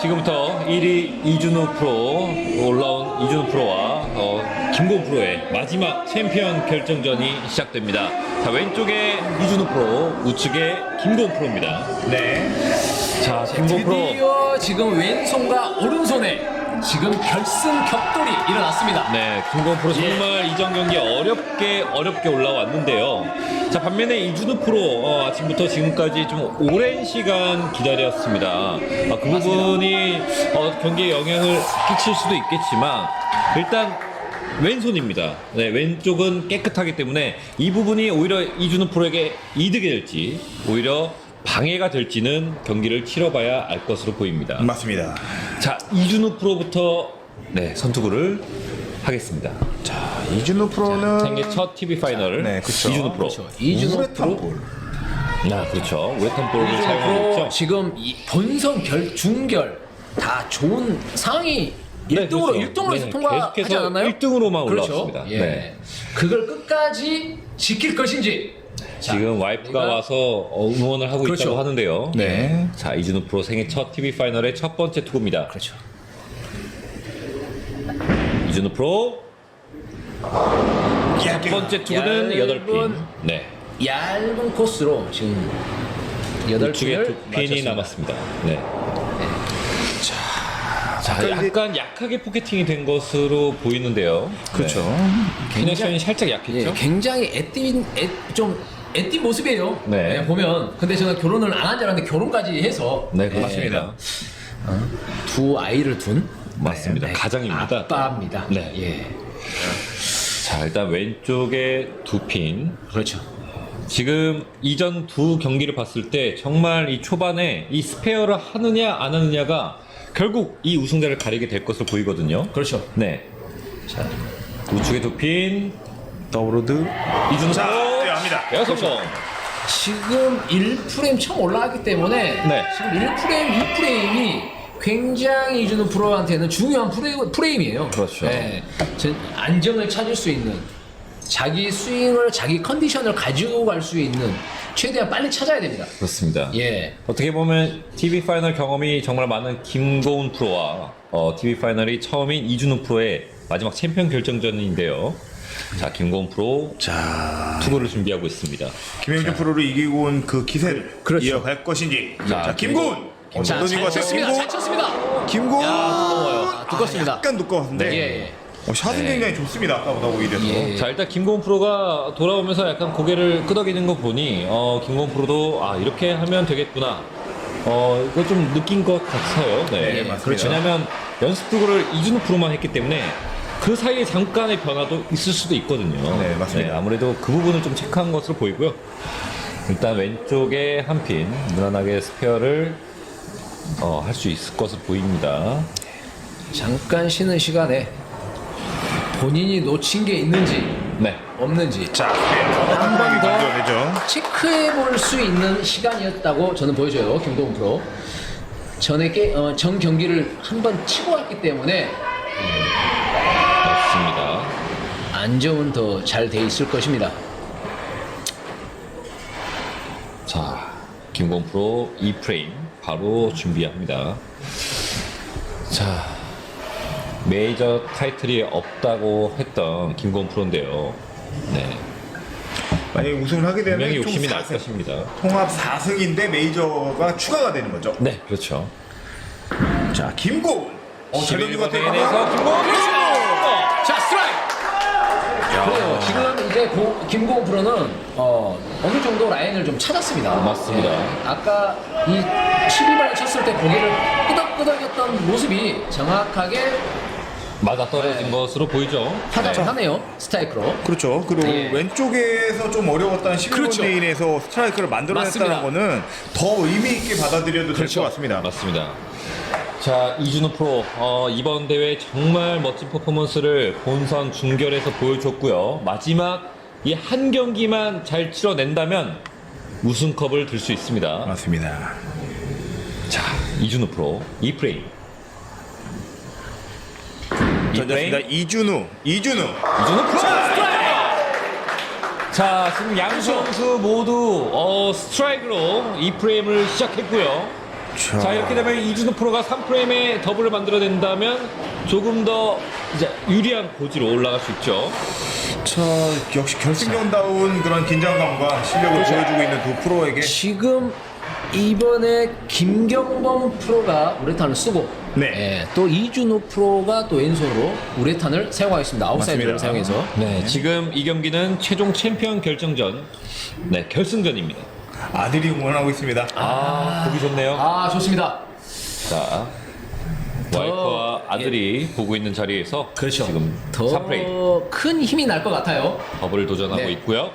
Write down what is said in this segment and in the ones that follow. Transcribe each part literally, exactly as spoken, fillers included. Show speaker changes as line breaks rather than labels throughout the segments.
지금부터 일 위 이준우 프로 올라온 이준우 프로와 어, 김고은 프로의 마지막 챔피언 결정전이 시작됩니다. 자, 왼쪽에 이준우 프로, 우측에 김고은 프로입니다.
네.
자, 김고은 프로.
드디어 지금 왼손과 오른손에 지금 결승 격돌이 일어났습니다.
네, 김고은 프로 정말
예.
이전 경기 어렵게 어렵게 올라왔는데요. 자, 반면에 이준우 프로 어, 아침부터 지금까지 좀 오랜 시간 기다렸습니다. 아, 그 부분이 어, 경기에 영향을 끼칠 수도 있겠지만 일단 왼손입니다. 네, 왼쪽은 깨끗하기 때문에 이 부분이 오히려 이준우 프로에게 이득이 될지 오히려 방해가 될지는 경기를 치러봐야 알 것으로 보입니다.
맞습니다.
자, 이준우 프로부터 네, 선투구를 하겠습니다.
자, 이준우 프로는
생애 첫 티비 파이널.
네, 그쵸.
이준우 프로.
그렇죠. 이준우
우레탄
프로.
볼.
아, 그렇죠. 우레탄 볼을
이준우
사용하고
프로
있죠.
지금 이 본선 결 중결 다 좋은 상위
네,
일 등으로
그렇죠.
일 등으로 해서
네,
통과하지
계속해서
않았나요?
일 등으로만
그렇죠.
올라왔습니다.
예.
네.
그걸 끝까지 지킬 것인지. 자,
지금 와이프가
내가-
와서 어, 응원을 하고
그렇죠.
있다고 하는데요.
네.
자, 이준우 프로 생애 첫 티비 파이널의 첫 번째 투구입니다.
그렇죠.
이준우 프로 첫 번째 투구는
얇은-
여덟 핀. 네.
얇은 코스로 지금 여덟
우측에
핀을
두 핀이
맞췄습니다.
남았습니다. 네. 자, 약간 약하게 포켓팅이 된 것으로 보이는데요.
그렇죠.
네. 피네션이 살짝
예,
약했죠?
굉장히 애띤 애, 좀 애띤 모습이에요.
네.
예, 보면 근데 저는 결혼을 안 한 줄 알았는데 결혼까지 해서
네,
예,
맞습니다.
두 아이를 둔
맞습니다.
네,
가장입니다.
아빠입니다.
네.
예,
자, 일단 왼쪽에 두 핀.
그렇죠.
지금 이전 두 경기를 봤을 때 정말 이 초반에 이 스페어를 하느냐 안 하느냐가 결국 이 우승자를 가리게 될 것으로 보이거든요.
그렇죠.
네. 자, 우측에 두 핀.
더블로드.
이준우
자,
프로.
뛰어갑니다.
에어 성공.
지금 일 프레임 처음 올라왔기 때문에
네.
지금 일 프레임, 이 프레임이 굉장히 이준우 프로한테는 중요한 프레임, 프레임이에요.
그렇죠.
네. 전 안정을 찾을 수 있는 자기 스윙을 자기 컨디션을 가지고 갈 수 있는 최대한 빨리 찾아야 됩니다.
그렇습니다.
예.
어떻게 보면 티비 파이널 경험이 정말 많은 김고은 프로와 어, 티비 파이널이 처음인 이준우 프로의 마지막 챔피언 결정전인데요. 자, 김고은 프로
자,
투구를 준비하고 있습니다.
김영준 프로를 이기고 온 그 기세를
그렇죠.
이어갈 것인지.
자,
자, 김고은. 어,
자,
던진 것
잘
같아요.
쳤습니다. 잘
김고은.
쳤습니다.
김고은.
야, 두꺼워요. 두껍습니다.
아, 약간 두꺼웠는데.
예, 예.
어, 샷은
네.
굉장히 좋습니다. 아까보다 오히려.
예.
자, 일단 김고은 프로가 돌아오면서 약간 고개를 끄덕이는 거 보니 어, 김고은 프로도 아, 이렇게 하면 되겠구나. 어, 이거 좀 느낀 것 같아요. 네,
예,
맞습니다.
왜냐하면 연습 투구를 이준우 프로만 했기 때문에 그 사이에 잠깐의 변화도 있을 수도 있거든요.
네, 맞습니다.
아무래도 그 부분을 좀 체크한 것으로 보이고요. 일단 왼쪽에 한 핀 무난하게 스페어를 어, 할 수 있을 것으로 보입니다.
잠깐 쉬는 시간에 본인이 놓친 게 있는지
네.
없는지
자,
한 번 더
되죠.
체크해 볼 수 있는 시간이었다고 저는 보여줘요. 김동훈 프로. 전에 게, 어, 전 경기를 한 번 치고 왔기 때문에
맞습니다.
안정은 더 잘 돼 있을 것입니다.
자, 김고은 프로 이 프레임 바로 준비합니다. 자, 메이저 타이틀이 없다고 했던 김고은 프로인데요. 네,
만약에 우승을 하게 되면
분명히
총
욕심이 날
사 승.
것입니다.
통합 사 승인데 메이저가 추가가 되는 거죠.
네, 그렇죠.
자, 김고은. 어, 잘 던진 것 같아요.
대회에서 김고은 프로!
자, 스트라이크! 그래요. 지금 이제 고, 김고은 프로는 어, 어느 정도 라인을 좀 찾았습니다.
맞습니다.
예. 아까 이 십이 발을 쳤을 때 고개를 끄덕끄덕했던 모습이 정확하게
맞아 떨어진
네.
것으로 보이죠.
타격을 하네요. 스트라이크로.
그렇죠. 그리고
예.
왼쪽에서 좀 어려웠던 십일 번
그렇죠.
레인에서 스트라이크를 만들어냈다는
맞습니다.
거는 더 의미 있게 받아들여도 될
그렇죠.
것 같습니다.
맞습니다. 자, 이준우 프로 어, 이번 대회 정말 멋진 퍼포먼스를 본선 준결에서 보여줬고요. 마지막 이 한 경기만 잘 치러낸다면 우승컵을 들 수 있습니다.
맞습니다.
자, 이준우 프로 이 프레임. 이
던졌습니다.
프레임.
이준우. 이준우.
이준우 프로 스트라이크! 자, 지금 양 선수 모두 어, 스트라이크로 이 프레임을 시작했고요.
자,
자, 이렇게 되면 이준호 프로가 삼 프레임에 더블을 만들어낸다면 조금 더 이제 유리한 고지로 올라갈 수 있죠.
자, 역시 결승전다운 그런 긴장감과 실력을
그렇죠.
보여주고 있는 두 프로에게
지금 이번에 김경범 프로가 우레탄을 쓰고
네.
예, 또 이준호 프로가 또 왼손으로 우레탄을 사용하겠습니다. 아웃사이드를
맞습니다.
사용해서.
네, 지금 이 경기는 최종 챔피언 결정전, 네, 결승전입니다.
아들이 응원하고 있습니다.
아, 보기 좋네요.
아 좋습니다.
자, 와이프와 아들이 보고 있는 자리에서
그렇죠.
지금 삼 프레임
더 큰 힘이 날 것 같아요.
더블을 도전하고
네.
있고요.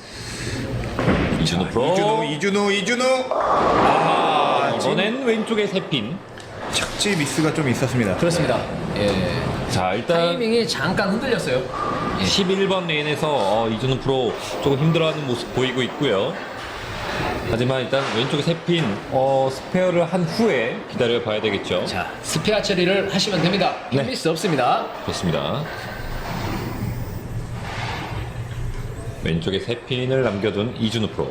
이준호 프로
이준호, 이준호, 이준호.
아, 이번엔 왼쪽에 세 핀.
착지 미스가 좀 있었습니다.
그렇습니다. 예.
자, 일단
타이밍이 잠깐 흔들렸어요.
십일 번 레인에서 어, 이준호 프로 조금 힘들어하는 모습 보이고 있고요. 하지만 일단 왼쪽에 세 핀 어, 스페어를 한 후에 기다려 봐야 되겠죠.
자 스페어 처리를 하시면 됩니다.
네.
미스 없습니다.
좋습니다. 왼쪽에 세 핀을 남겨둔 이준호 프로.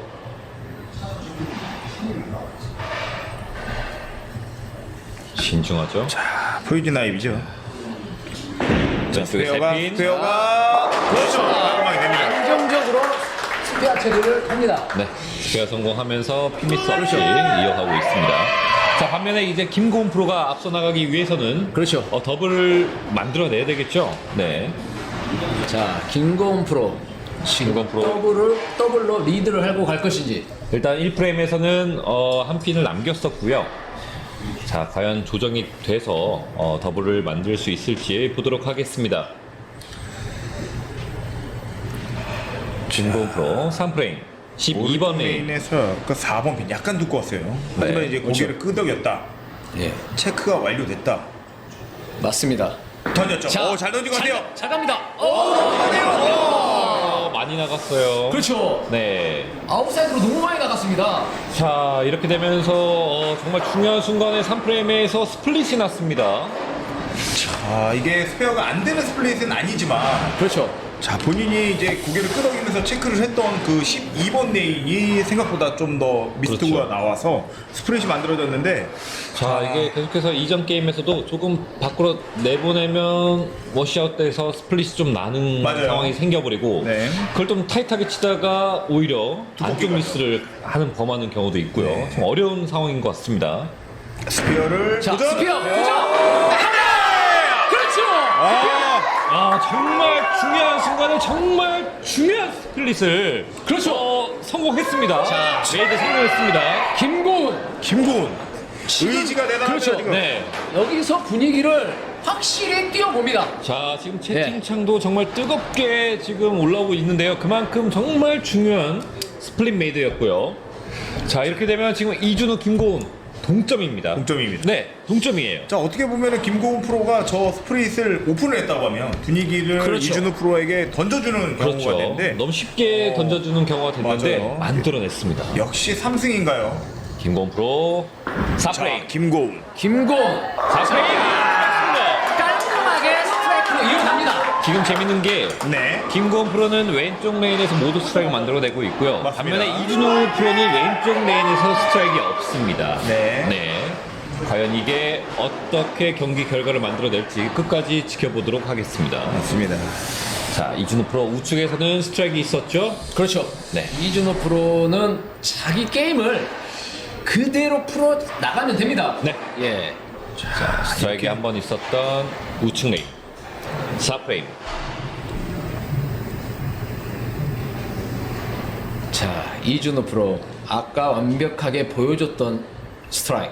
신중하죠.
자, 포이즌 아이비죠.
왼쪽에 세
스페어가,
핀.
스페어가. 그렇죠. 깔끔하게 됩니다.
안정적으로 스페어 처리를 합니다.
네, 스페어 성공하면서 피미스 없이 이어가고 있습니다. 자, 반면에 이제 김고은 프로가 앞서 나가기 위해서는
그렇죠.
어, 더블을 만들어내야 되겠죠. 네,
자 김고은 프로
김고은 프로
더블을 더블로 리드를 하고 갈 것인지.
일단 일 프레임에서는 어, 한 핀을 남겼었고요. 자, 과연 조정이 돼서 어, 더블을 만들 수 있을지 보도록 하겠습니다. 김고은 프로 삼 프레임 십이 번 레인.
레인에서 그 사 번 핀 약간 두꺼웠어요. 하지만
네,
이제
그렇죠.
고개를 끄덕였다.
예
체크가 완료됐다.
맞습니다.
던졌죠. 오, 잘 던진 것 같아요.
잘, 잘 갑니다. 오,
어, 많이 나갔어요.
그렇죠.
네.
아웃사이드로 너무 많이 나갔습니다.
자, 이렇게 되면서 어, 정말 중요한 순간에 삼 프레임에서 스플릿이 났습니다.
아, 이게 스페어가 안 되는 스플릿은 아니지만
그렇죠.
자, 본인이 이제 고개를 끄덕이면서 체크를 했던 그 십이 번 레인이 생각보다 좀 더 미스트가
그렇죠.
나와서 스플릿이 만들어졌는데
자, 이게 계속해서 이전 게임에서도 조금 밖으로 내보내면 워시아웃돼서 스플릿이 좀 나는
맞아요.
상황이 생겨버리고
네.
그걸 좀 타이트하게 치다가 오히려 안쪽
가죠.
미스를 하는 범하는 경우도 있고요.
네.
좀 어려운 상황인 것 같습니다.
스페어를
자
도전!
스페어
네.
그죠? 그렇죠.
아,
아, 정말 중요한 순간에 정말 중요한 스플릿을
그렇죠.
어, 성공했습니다.
자,
메이드 성공했습니다.
김고은
김고은 의지가 대단하죠.
그렇죠.
지금.
네.
여기서 분위기를 확실히 띄워봅니다.
자, 지금
네.
채팅창도 정말 뜨겁게 지금 올라오고 있는데요. 그만큼 정말 중요한 스플릿 메이드였고요. 자, 이렇게 되면 지금 이준호, 김고은 동점입니다.
동점입니다.
네, 동점이에요.
자, 어떻게 보면은 김고은 프로가 저 스프릿을 오픈을 했다고 하면 분위기를
그렇죠.
이준호 프로에게 던져주는 경우가
그렇죠.
되는데
너무 쉽게
어,
던져주는 경우가 됐는데
맞아요.
만들어냈습니다.
역시 삼 승인가요?
김고은 프로 사
자,
프레임.
김고은
김고은
사 프레임. 맞습니다.
깔끔하게 스트라이크로 이어갑니다.
지금 재밌는 게
네.
김고은 프로는 왼쪽 레인에서 모두 스트라이크 만들어내고 있고요.
맞습니다.
반면에 이준호 프로는 왼쪽 레인에서 스트라이크가 없습니다.
네.
네. 과연 이게 어떻게 경기 결과를 만들어낼지 끝까지 지켜보도록 하겠습니다.
맞습니다.
자, 이준호 프로 우측에서는 스트라이크 있었죠?
그렇죠.
네.
이준호 프로는 자기 게임을 그대로 풀어 나가면 됩니다.
네.
예.
자, 스트라이크 한 번 있었던 우측 레인. 사 프레임.
자, 이준호 프로 아까 완벽하게 보여줬던 스트라이크.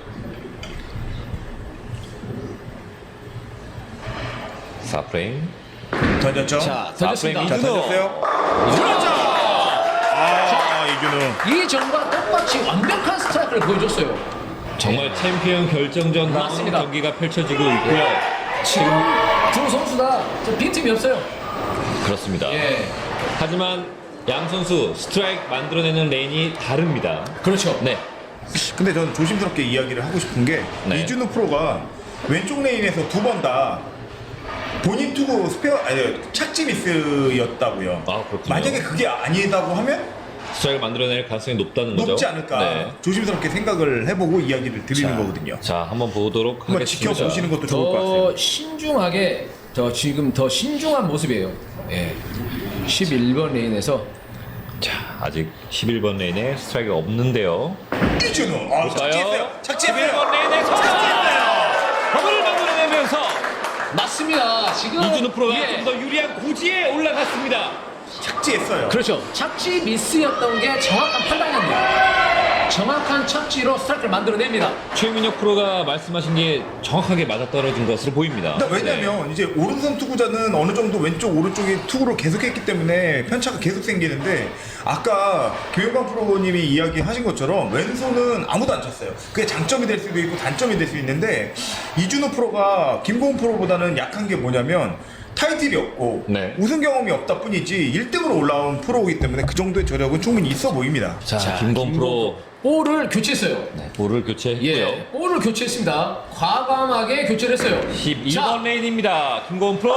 사 프레임.
던졌죠?
자,
사
던졌습니다.
프레임
자,
이준호.
던졌어요. 그렇죠. 아, 이준호.
이전과 똑같이 완벽한 스트라이크를 보여줬어요.
정말 챔피언 결정전 다운
맞습니다.
경기가 펼쳐지고 있고요.
지금 두 선수 다 빈틈이 없어요.
그렇습니다.
예.
하지만 양 선수 스트라이크 만들어내는 레인이 다릅니다.
그렇죠.
네.
근데 저는 조심스럽게 이야기를 하고 싶은 게
네.
이준호 프로가 왼쪽 레인에서 두 번 다 본인 투구 스페어 아니 착지 미스였다고요.
아, 그렇군요.
만약에 그게 아니다고 하면
스트라이크를 만들어낼 가능성이 높다는 거죠.
높지 않을까
네.
조심스럽게 생각을 해보고 이야기를 드리는
자,
거거든요.
자, 한번 보도록
한번
하겠습니다.
지켜보시는 것도 좋을 것 같아요.
더 신중하게 더 지금 더 신중한 모습이에요. 예. 십일 번 레인에서
자, 아직 십일 번 레인에 스트라이크가 없는데요.
이준우 아, 착지했어요. 착지했어요.
십일 번 레인에서 버블을 만들어내면서
맞습니다. 지금
이준우 프로가
예.
좀 더 유리한 고지에 올라갔습니다.
착지했어요.
그렇죠. 착지 미스였던 게 정확한 판단이었네요. 정확한 착지로 스트라이크를 만들어냅니다.
최민혁 프로가 말씀하신 게 정확하게 맞아떨어진 것으로 보입니다.
근데 왜냐면 이제 오른손 투구자는 어느 정도 왼쪽 오른쪽에 투구를 계속했기 때문에 편차가 계속 생기는데 아까 김영광 프로님이 이야기하신 것처럼 왼손은 아무도 안 쳤어요. 그게 장점이 될 수도 있고 단점이 될 수 있는데 이준호 프로가 김고은 프로보다는 약한 게 뭐냐면 타이틀이 없고
네.
우승 경험이 없다 뿐이지 일 등으로 올라온 프로이기 때문에 그 정도의 저력은 충분히 있어 보입니다.
자,
자,
김건 프로
볼을 교체했어요.
네, 볼을 교체했고요.
예, 볼을 교체했습니다. 과감하게 교체를 했어요.
십이 번
자,
레인입니다. 김건 프로.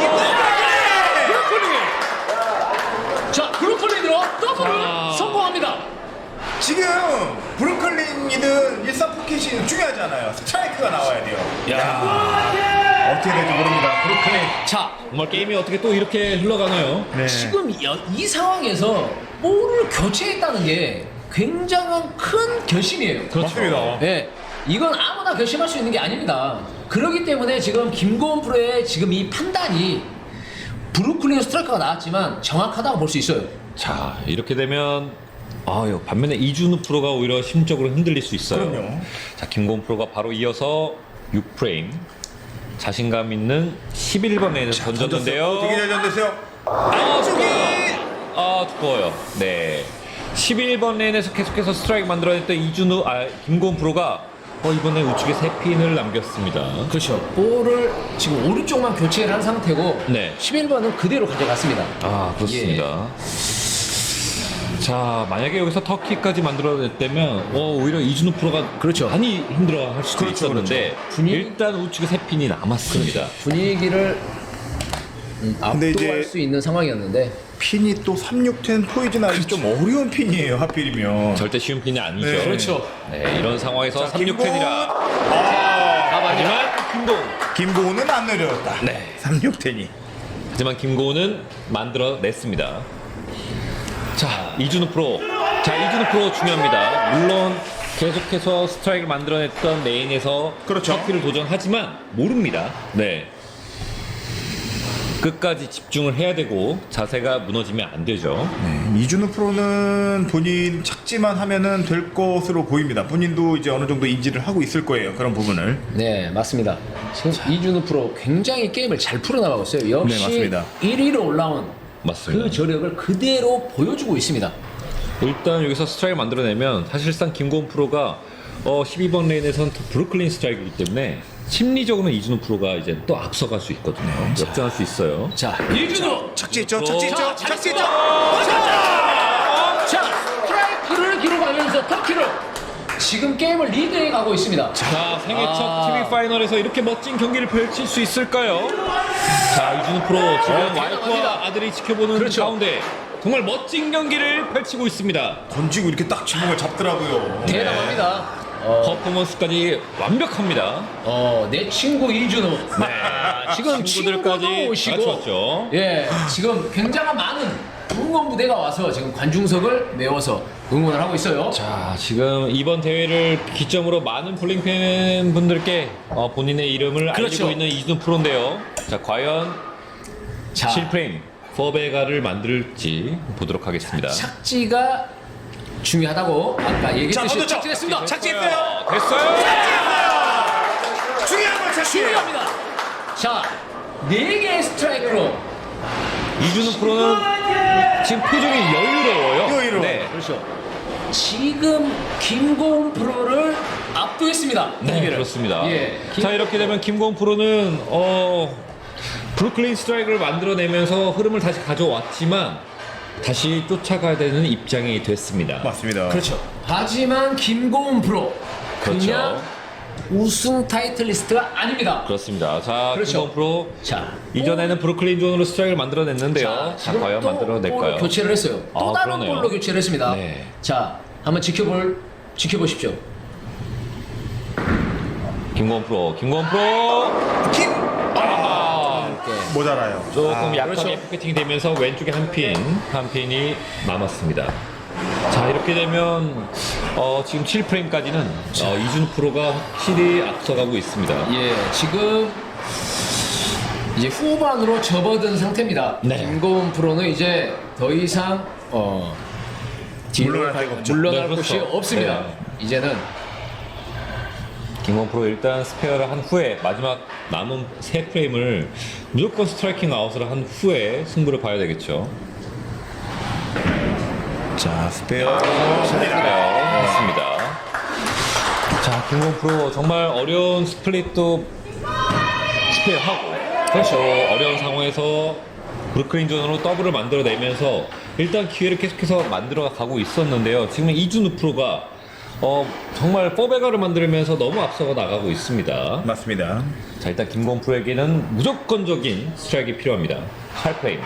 브로콜리. 자, 브로콜리로 더블을
자.
성공합니다.
지금 브루클린이든 일산 포켓이든 중요하지 않아요. 스트라이크가 나와야 돼요. 야, 어떻게 될지 모릅니다. 브루클린.
자,
정말 게임이 어떻게 또 이렇게 흘러가나요?
네.
지금 이, 이 상황에서 볼을 교체했다는 게 굉장한 큰 결심이에요.
그렇죠.
맞습니다.
예, 이건 아무나 결심할 수 있는 게 아닙니다. 그렇기 때문에 지금 김고은 프로의 지금 이 판단이 브루클린 스트라이크가 나왔지만 정확하다고 볼 수 있어요.
자, 이렇게 되면 아유, 반면에 이준우 프로가 오히려 심적으로 흔들릴 수 있어요.
그럼요.
자, 김고은 프로가 바로 이어서 육 프레임 자신감 있는 십일 번 레인에서 던졌는데요.
되게 잘 던졌어요.
아,
쪽이
아, 두꺼워요. 네. 십일 번 레인에서 계속해서 스트라이크 만들어냈던 이준우, 아, 김고은 프로가 어, 이번에 우측에 세 핀을 남겼습니다.
그렇죠. 볼을 지금 오른쪽만 교체를 한 상태고
네.
십일 번은 그대로 가져갔습니다.
아, 그렇습니다. 자, 만약에 여기서 터키까지 만들어냈다면 어, 오히려 이준우 프로가
그렇죠.
많이 힘들어할 수도
그렇죠,
있었는데
그렇죠. 분위기-
일단 우측에 세 핀이 남았습니다.
분위기를 음,
근데
압도할
이제-
수 있는 상황이었는데
핀이 또 삼육텐 포이즌 아이 좀 어려운 핀이에요. 하필이면.
절대 쉬운 핀이 아니죠.
네.
그렇죠.
네, 이런 상황에서
자,
삼육 텐이라
아,
하지만 김고은
김고은은 안 내려왔다.
네.
삼육텐이.
하지만 김고은은 만들어냈습니다. 자, 이준우 프로. 자, 이준우 프로 중요합니다. 물론 계속해서 스트라이크를 만들어냈던 레인에서
그렇죠.
터키를 도전하지만 모릅니다. 네. 끝까지 집중을 해야 되고 자세가 무너지면 안 되죠.
네, 이준우 프로는 본인 착지만 하면은 될 것으로 보입니다. 본인도 이제 어느 정도 인지를 하고 있을 거예요. 그런 부분을.
네, 맞습니다. 지금 이준우 프로 굉장히 게임을 잘 풀어나가고 있어요. 역시
네, 맞습니다.
일 위로 올라온
맞습니다.
그 저력을 그대로 보여주고 있습니다.
일단 여기서 스트라이크 만들어내면 사실상 김고은 프로가 어, 십이 번 레인에선 브루클린 스트라이크이기 때문에 심리적으로는 이준우 프로가 이제 또 앞서갈 수 있거든요. 역전할 수 있어요.
자, 이준우!
착지했죠.
자,
착지했죠.
자,
착지했죠.
자, 스트라이크를 기록하면서 터키를 지금 게임을 리드해 가고 있습니다.
자, 생애 첫
아.
티비 파이널에서 이렇게 멋진 경기를 펼칠 수 있을까요? 자, 이준우 프로 지금
어,
와이프와
대단합니다.
아들이 지켜보는
그렇죠.
가운데 정말 멋진 경기를 펼치고 있습니다.
던지고 이렇게 딱 지붕을 잡더라고요.
대단합니다. 어,
퍼포먼스까지 완벽합니다.
어, 내 친구 이준우.
네,
지금
친구들까지
친구도 오시고,
갖췄죠.
예, 지금 굉장한 많은 응원 무대가 와서 지금 관중석을 메워서 응원을 하고 있어요.
자, 지금 이번 대회를 기점으로 많은 볼링 팬 분들께 어, 본인의 이름을
그렇죠.
알리고 있는 이준우 프로인데요. 자, 과연
자,
칠 프레임 포베가를 만들지 보도록 하겠습니다.
착지가 중요하다고 아까
자,
얘기했듯이
던졌죠.
착지했습니다.
착지했어요.
됐어요.
중요한 건 착지예요.
중요합니다. 자, 네 개의 스트라이크로
이준우 프로는 지금 표정이 여유로워요.
여유로워요.
네.
그렇죠. 지금 김고은 프로를 압도했습니다.
네,
경기를.
그렇습니다.
예, 김-
자, 이렇게 되면 김고은 프로는 어, 브루클린 스트라이크를 만들어내면서 흐름을 다시 가져왔지만 다시 쫓아가야 되는 입장이 됐습니다.
맞습니다.
그렇죠. 하지만 김고은 프로
그렇죠.
그냥 우승 타이틀리스트가 아닙니다.
그렇습니다. 자,
그렇죠.
김건 프로
자,
이전에는 브루클린 존으로 스트라이크를 만들어냈는데요. 자,
지금
과연
또
만들어낼까요?
볼을 교체를 했어요. 또
아,
다른
그러네요.
볼로 교체를 했습니다.
네.
자, 한번 지켜볼 지켜보십시오.
김건 프로, 김건 프로.
킴!
아,
이렇게.
모자라요.
조금
아,
약하게
그렇죠.
포켓팅이 되면서 왼쪽에 한 핀, 한 핀이 남았습니다. 자, 이렇게 되면 어, 지금 칠 프레임까지는 어, 이준우 프로가 확실히 앞서가고 있습니다.
예, 지금 이제 후반으로 접어든 상태입니다.
네.
김고은 프로는 이제 더 이상 어, 뒤로
물러날
갈-
데가 없죠.
물러날
네,
곳이
그렇죠.
없습니다.
네.
이제는
김건 프로 일단 스페어를 한 후에 마지막 남은 세 프레임을 무조건 스트라이킹 아웃을 한 후에 승부를 봐야 되겠죠.
자, 스페어.
스페어 했습니다. 자, 김건 프로 정말 어려운 스플릿도 스페어하고 그렇죠. 어려운 상황에서 브루클린 존으로 더블을 만들어내면서 일단 기회를 계속해서 만들어 가고 있었는데요. 지금 이준우 프로가 어, 정말 포베가를 만들면서 너무 앞서가 나가고 있습니다.
맞습니다.
자, 일단 김건 프로에게는 무조건적인 스트라이크가 필요합니다. 팔 프레임.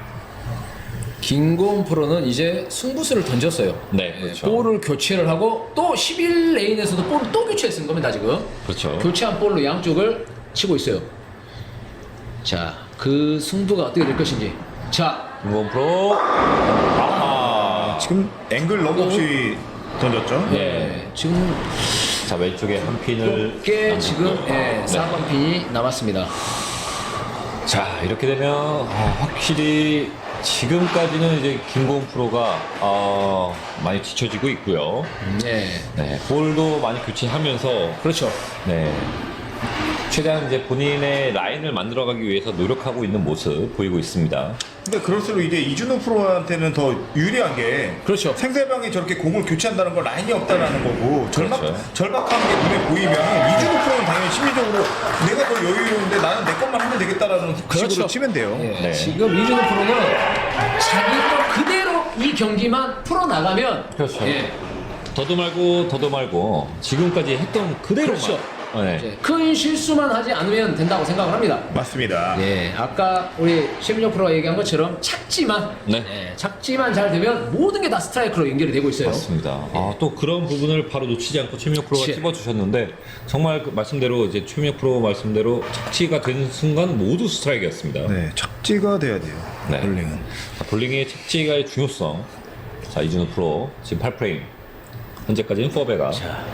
김고은 프로는 이제 승부수를 던졌어요.
네, 그렇죠.
볼을 교체를 하고 또 십일 레인에서도 볼을 또 교체했은 겁니다, 지금.
그렇죠.
교체한 볼로 양쪽을 치고 있어요. 자, 그 승부가 어떻게 될 것인지. 자,
김건 프로. 아하.
지금 앵글 너무 없이 던졌죠?
네.
지금
자, 왼쪽에 한 핀을
꽤
남겼고요.
지금 예, 사 번 핀이 남았습니다.
자, 이렇게 되면 아, 확실히 지금까지는 이제 김고은 프로가 어, 많이 뒤처지고 있고요.
네,
네, 볼도 많이 교체하면서
그렇죠.
네, 최대한 이제 본인의 라인을 만들어가기 위해서 노력하고 있는 모습 보이고 있습니다.
근데 그럴수록 이제 이준호 프로한테는 더 유리한 게
그렇죠.
상대방이 저렇게 공을 교체한다는 건 라인이 없다라는 거고 절박,
그렇죠.
절박한 게 눈에 보이면 이준호 프로는 당연히 심리적으로 내가 더 여유로운데 나는 내 것만 하면 되겠다라는 식으로 치면 돼요.
예,
네.
지금 이준호 프로는 자기 거 그대로 이 경기만 풀어 나가면
그렇죠.
예,
더도 말고 더도 말고 지금까지 했던 그대로만.
그렇죠.
네.
이제 큰 실수만 하지 않으면 된다고 생각을 합니다.
맞습니다.
예, 아까 우리 최민혁 프로가 얘기한 것처럼 착지만,
네.
예, 착지만 잘 되면 모든 게 다 스트라이크로 연결이 되고 있어요.
맞습니다. 아, 또 그런 부분을 바로 놓치지 않고 최민혁 프로가
그치.
찝어주셨는데 정말 그 말씀대로 이제 최민혁 프로 말씀대로 착지가 된 순간 모두 스트라이크였습니다.
네, 착지가 돼야 돼요.
네.
볼링은.
자, 볼링의 착지가의 중요성. 자, 이준호 프로 지금 팔 프레임. 현재까지는 포베가.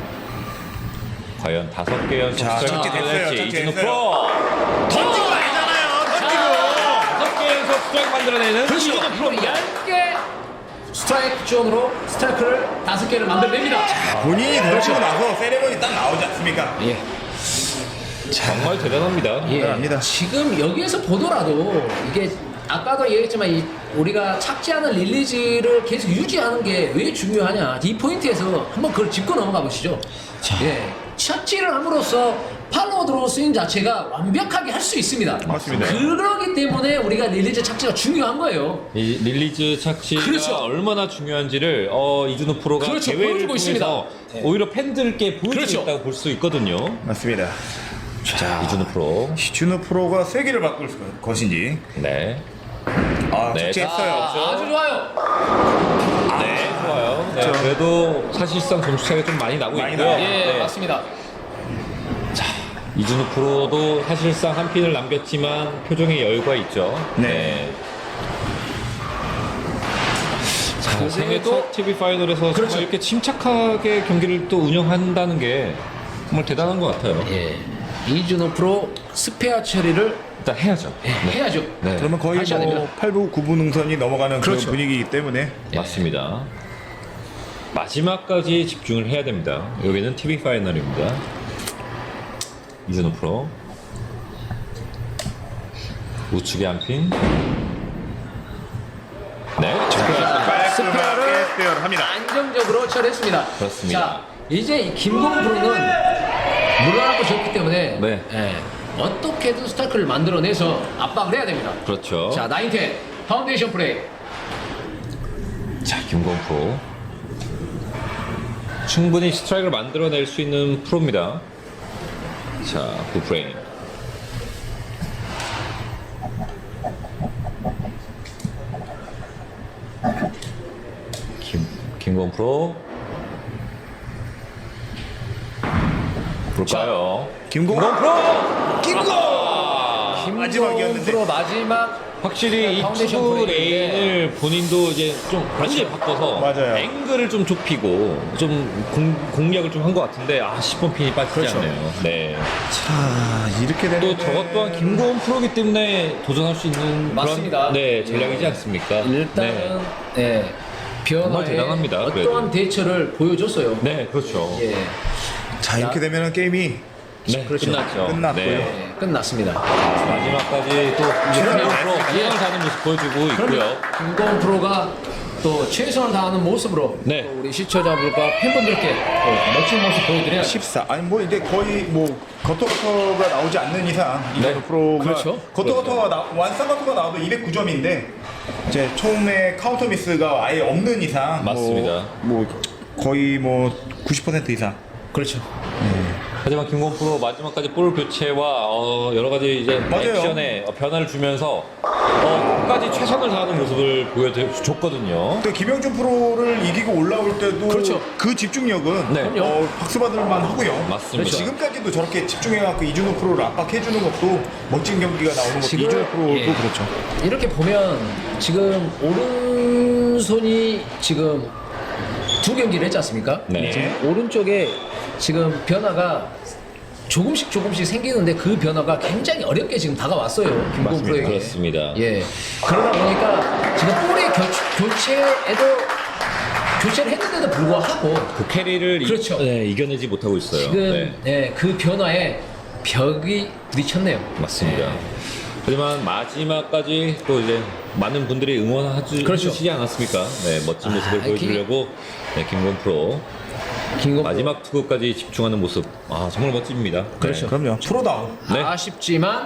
과연 다섯 개 연속
자,
스트라이크
착지 됐어요,
만들어낼지
착지
이준호
됐어요.
프로.
던진 거 아니잖아요. 던지고.
다섯 개 연속 스트라이크 만들어내는
그렇죠.
이준호 프로.
프로 얇게 스트라이크 존으로 스트라이크를 다섯 개를 만들어냅니다.
본인이 던지고 나서 세레머니 딱 나오지 않습니까?
예.
정말 대단합니다.
예.
대단합니다.
지금 여기에서 보더라도 이게 아까도 얘기했지만 이 우리가 착지하는 릴리즈를 계속 유지하는 게 왜 중요하냐. 이 포인트에서 한번 그걸 짚고 넘어가 보시죠. 예. 착지를 함으로써 팔로우 드로우 스윙 자체가 완벽하게 할 수 있습니다.
맞습니다.
그러기 때문에 우리가 릴리즈 착지가 중요한 거예요.
이 릴리즈 착지가
그렇죠.
얼마나 중요한지를 어, 이준호 프로가
그렇죠.
대회를
보여주고
통해서
있습니다. 네.
오히려 팬들께 보여주고
그렇죠.
있다고 볼 수 있거든요.
맞습니다.
자, 이준호 프로.
이준호 프로가 세기를 바꿀 것인지.
네.
아,
네,
착지했어요.
아, 아주 좋아요.
네, 좋아요. 네,
그렇죠.
그래도 사실상 점수 차이가 좀 많이 나고
많이
있고요.
나요.
예,
네.
맞습니다.
이준호 프로도 사실상 한 핀을 남겼지만 표정에 여유가 있죠.
네.
자,
그래도-
생애 첫 티비 파이널에서
그렇죠.
정말 이렇게 침착하게 경기를 또 운영한다는 게 정말 대단한 것 같아요.
예. 이준호 프로 스페어 처리를
일단 해야죠.
예, 해야죠.
네.
그러면 거의
하셔야
뭐
됩니다.
팔 부, 구 부 능선이 넘어가는 그런
그렇죠.
분위기이기 때문에
맞습니다. 마지막까지 집중을 해야 됩니다. 여기는 티비 파이널입니다. 이준호 프로 우측에 한 핀. 네,
깔끔하게 스페어를 합니다.
안정적으로 처리했습니다.
그렇습니다.
자, 이제 이 김고은 프로는 물러나고 졌기 때문에
네.
예, 어떻게든 스타크를 만들어내서 압박을 해야 됩니다.
그렇죠.
자, 나인텐 파운데이션 플레이.
자, 김건 프로 충분히 스트라이크를 만들어낼 수 있는 프로입니다. 자, 굿프레임. 김, 김건 프로. 볼까요?
김공
프로!
김공
김건
마지막이었는데.
프로 마지막
확실히 이
파운데이션
투구
브레이크인데.
레인을 본인도 이제 좀 완전히 바꿔서
맞아요.
앵글을 좀 좁히고 좀 공, 공략을 좀 한 것 같은데 아 십 번 핀이 빠지지
그렇죠.
않네요. 네.
자 이렇게 되면
또 저것 또한 김고은 프로기 때문에 도전할 수 있는
맞습니다.
그런 네, 전략이지
예.
않습니까?
일단은 네.
정말
변화에
대단합니다,
어떠한
그래도.
대처를 보여줬어요.
네, 네, 그렇죠.
예.
자 이렇게 되면 게임이
네,
그렇죠.
끝났죠.
끝났고요.
네.
네, 끝났습니다.
마지막까지 또 이제
최선을
김고은 프로
다했습니다.
최선을 다하는 모습 보여주고 있고요.
그럼요. 김건 프로가 또 최선을 다하는 모습으로
네.
또 우리 시청자분과 팬분들께 또 멋진 모습 보여드려야죠.
십사 아니 뭐 이제 거의 뭐 거토거토가 나오지 않는 이상 이건
네.
프로가
그렇죠.
거토거토가 나 완성 거토가 나와도 이백구 점인데 이제 처음에 카운터 미스가 아예 없는 이상
맞습니다.
뭐, 뭐 거의 뭐 구십 퍼센트 이상
그렇죠.
하지만 김건 프로 마지막까지 볼 교체와 어, 여러 가지 이제
맞아요.
액션에 어, 변화를 주면서 어, 끝까지 최선을 다하는 모습을 보여줬거든요.
또 김영준 프로를 이기고 올라올 때도
그렇죠.
그 집중력은
네.
어, 박수 받을 만 하고요.
맞습니다.
지금까지도 저렇게 집중해갖고 이준호 프로를 압박해주는 것도 멋진 경기가 나오는 것도
지금-
이준호 프로도
예.
그렇죠.
이렇게 보면 지금 오른손이 지금 두 경기를 했지 않습니까?
네.
지금 오른쪽에 지금 변화가 조금씩 조금씩 생기는데 그 변화가 굉장히 어렵게 지금 다가왔어요. 김건
맞습니다.
프로에게.
그렇습니다.
예. 그러다 보니까 지금 볼의 교, 교체에도 교체를 했는데도 불구하고
그 캐리를 이-
그렇죠.
네, 이겨내지 못하고 있어요.
지금
네.
예, 그 변화에 벽이 부딪혔네요.
맞습니다.
예.
하지만 마지막까지 또 이제 많은 분들이 응원하시지
그렇죠.
않았습니까? 네, 멋진
아,
모습을
기-
보여주려고 네, 김건 프로
김건
마지막 투구까지 집중하는 모습, 아 정말 멋집니다.
그렇죠.
그럼요. 프로다운.
네.
아쉽지만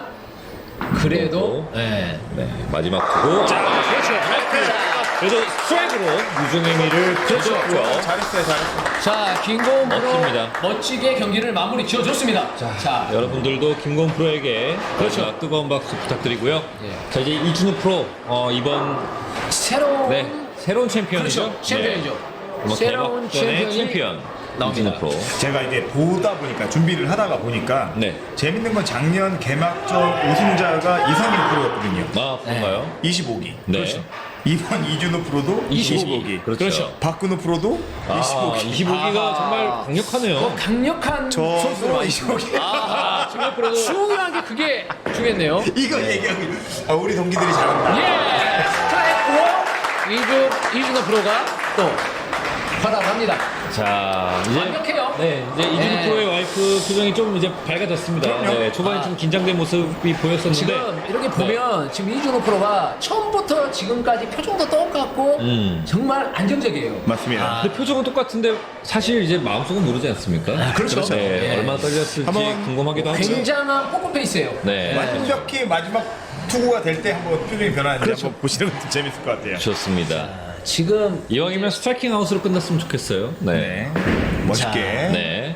그래도 예.
네, 마지막 투구. 자,
그렇죠.
그래도 스트라이크로 유승의미를
그렇죠.
줬고요.
잘했어요, 잘했어요.
자, 김건 프로
멋집니다.
멋지게 경기를 마무리 지어줬습니다. 자,
여러분들도 김건 프로에게
그렇죠.
마지막 뜨거운 박수 부탁드리고요.
예.
자 이제 이준우 프로 어, 이번
새로운
네 새로운 챔피언이죠.
그렇죠. 챔피언이죠.
네.
새로운
개막전의
챔피언이
챔피언
나옵니다.
이준우 프로.
제가 이제 보다 보니까 준비를 하다가 보니까
네.
재밌는 건 작년 개막전 우승자가 이상민 프로였거든요.
아 그런가요?
이십오 기.
네.
그렇죠.
이번 이준호 프로도 이십오 기.
그렇죠.
그렇죠.
박근호 프로도 이십오 기.
아, 이십오 기가
아하.
정말 강력하네요.
어, 강력한
저도
선수를 많이
이십오 기.
아, 중요 프로도 중요한 게 그게 중요했네요.
이거 얘기하고 있- 아, 우리 동기들이 잘한다.
예, 스트라이크로 이주 이준호 프로가 또 활약합니다.
자 이제
완벽해요.
네 이제 이준우
네.
프로의 와이프 표정이 좀 이제 밝아졌습니다.
그럼요.
네, 초반에
아.
좀 긴장된 모습이 보였었는데
지금 이렇게 보면 지금 이준호 프로가 처음부터 지금까지 표정도 똑같고
음.
정말 안정적이에요.
맞습니다.
아,
근데 표정은 똑같은데 사실 이제 마음속은 모르지 않습니까?
그렇죠.
네,
예.
얼마나 떨렸을지
한번
궁금하기도 하고.
굉장한 포커페이스예요.
네.
완벽히 마지막 투구가 될 때 한번 표정이 변하는지
그렇죠.
한번 보시는 것도 재밌을 것 같아요.
좋습니다.
지금
이왕이면 스트라이킹 아웃으로 끝났으면 좋겠어요. 네.
네. 멋있게.
네.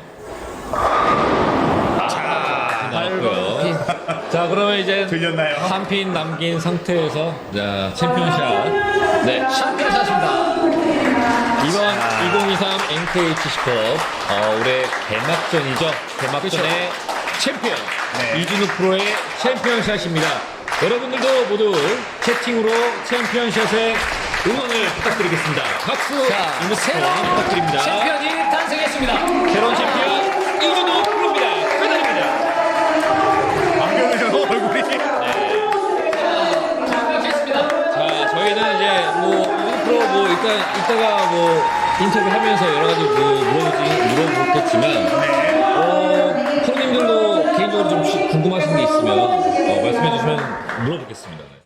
자, 나왔고요. 자, 그러면 이제
들렸나요?
한 핀 남긴 상태에서 자, 챔피언샷. 네.
챔피언샷입니다.
이번 이천이십삼 엔케이에이치 시컵 어, 올해 개막전이죠. 개막전의 챔피언
네.
이준우 프로의 챔피언샷입니다. 여러분들도 모두 채팅으로 챔피언샷에 응원을 부탁드리겠습니다. 박수
자,
응원
새로운
부탁드립니다.
챔피언이 탄생했습니다.
새로운 챔피언 이준우 프로입니다. 축하드립니다.
안경을 얼굴이.
완벽했습니다.
자, 저희는 이제 뭐 이준우 프로 뭐 일단 이따가 뭐 인터뷰하면서 여러 가지 그 물어보지 물어보겠지만 어, 프로님들도 개인적으로 좀 궁금하신 게 있으면 어, 말씀해 주시면 물어보겠습니다.